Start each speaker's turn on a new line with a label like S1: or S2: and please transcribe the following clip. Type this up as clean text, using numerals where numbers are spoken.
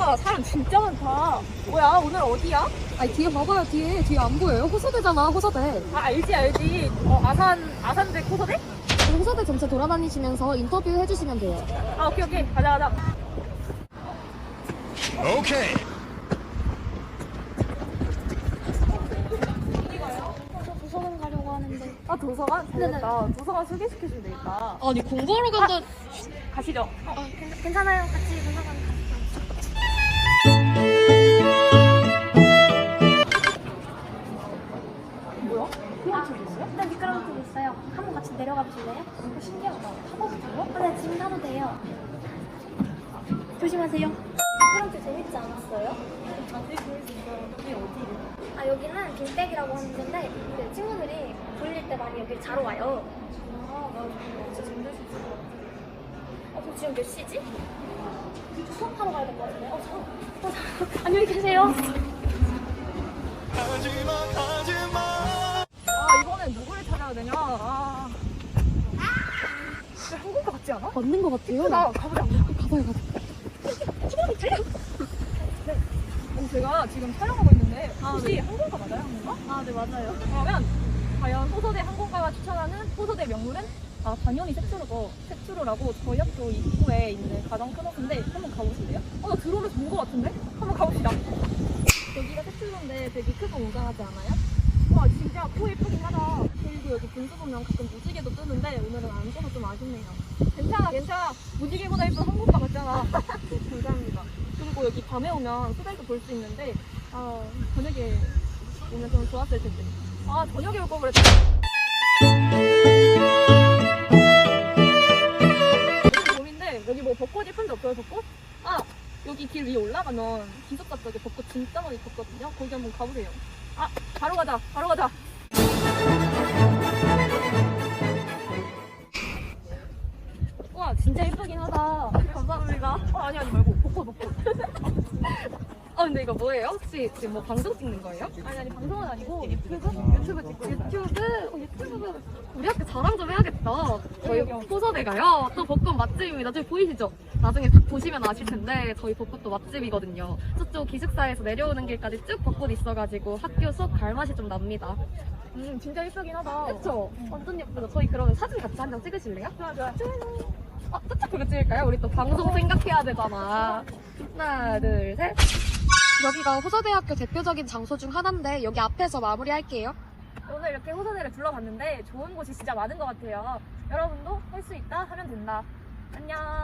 S1: 와, 사람 진짜 많다. 뭐야, 오늘 어디야?
S2: 아니 뒤에 봐봐요. 뒤에 안 보여요? 호서대잖아. 호서대.
S1: 아, 알지. 아산대 코서대?
S2: 호서대 전체 돌아다니시면서 인터뷰 해주시면 돼요.
S1: 아, 오케이. 가자.
S3: 오케이.
S4: 도서관 가려고 하는데.
S1: 아, 도서관? 잘됐다. 도서관 소개시켜주면 되겠다.
S2: 아니 공부하러 간다.
S1: 가시죠.
S4: 괜찮아요. 같이 도서관 가요.
S1: 뭐야? 그런 책이 있어요?
S4: 네, 미끄럼틀 있어요. 한번 같이 내려가 보실래요?
S1: 이거 신기하다. 타봐도 돼요?
S4: 네, 지금 타도 돼요. 조심하세요. 미끄럼틀 재밌지 않았어요?
S1: 아, 되게 재밌었어요. 여기 어디예요?
S4: 아, 여기는 빈백이라고 하는 건데 그 친구들이 졸릴 때 많이 여기를 자러 와요.
S1: 아, 나 진짜 잠들 수 있을 것 같아.
S4: 저 지금 몇 시지? 수업하러 가야 될 것 같은데. 안녕히 계세요.
S1: 아, 이번엔 누구를 찾아야 되냐? 진짜 항공과 같지 않아?
S2: 맞는 것 같아요.
S1: 나 가보자.
S2: 가봐요.
S1: 아니, 제가 지금 촬영하고 있는데 혹시 항공과 맞아요? 항공과?
S4: 아, 네, 맞아요.
S1: 그러면 과연 호서대 항공과가 추천하는 호서대 명물은 당연히 색트로죠. 색트로라고 저희 학교 입구에 있는 가장 큰 호수인데 한번 가보실래요? 나 드론을 본 것 같은데? 한번 가봅시다.
S2: 여기가 색출인데 되게 크고 웅장하지 않아요?
S1: 와, 진짜 코 예쁘긴 하다.
S2: 그리고 여기 분수 보면 가끔 무지개도 뜨는데 오늘은 안 떠서 좀 아쉽네요.
S1: 괜찮아. 무지개보다 예쁜 항공과 같잖아.
S2: 감사합니다. 그리고 여기 밤에 오면 수달도 볼 수 있는데 저녁에 오면 좀 좋았을 텐데.
S1: 저녁에 올 걸 그랬다. 봄인데 여기 뭐 벚꽃 예쁜데 없어요, 벚꽃?
S2: 여기 길 위에 올라가면 기숙사 쪽에 벚꽃 진짜 많이 폈거든요. 거기 한번 가보세요.
S1: 바로 가자. 와, 진짜 예쁘긴 하다.
S2: 감사합니다.
S1: 아니 말고 벚꽃.
S2: 근데 이거 뭐예요? 혹시 지금 뭐 방송 찍는 거예요?
S1: 아니 방송은 아니고 유튜브 찍고
S2: 유튜브 우리 학교 자랑 좀 해야겠다. 저희
S1: 여기요.
S2: 호서대가요. 또 벚꽃 맛집입니다. 저기 보이시죠? 나중에 딱 보시면 아실 텐데 저희 벚꽃도 맛집이거든요. 저쪽 기숙사에서 내려오는 길까지 쭉 벚꽃 있어가지고 학교 수업 갈 맛이 좀 납니다.
S1: 진짜 예쁘긴 하다.
S2: 그쵸? 완전 예쁘죠? 저희 그러면 사진 같이 한 장 찍으실래요?
S1: 좋아.
S2: 살짝 그거 찍을까요? 우리 또 방송 생각해야 되잖아. 하나, 둘, 셋. 여기가 호서대학교 대표적인 장소 중 하나인데 여기 앞에서 마무리할게요.
S1: 오늘 이렇게 호서대를 둘러봤는데 좋은 곳이 진짜 많은 것 같아요. 여러분도 할 수 있다 하면 된다. 안녕.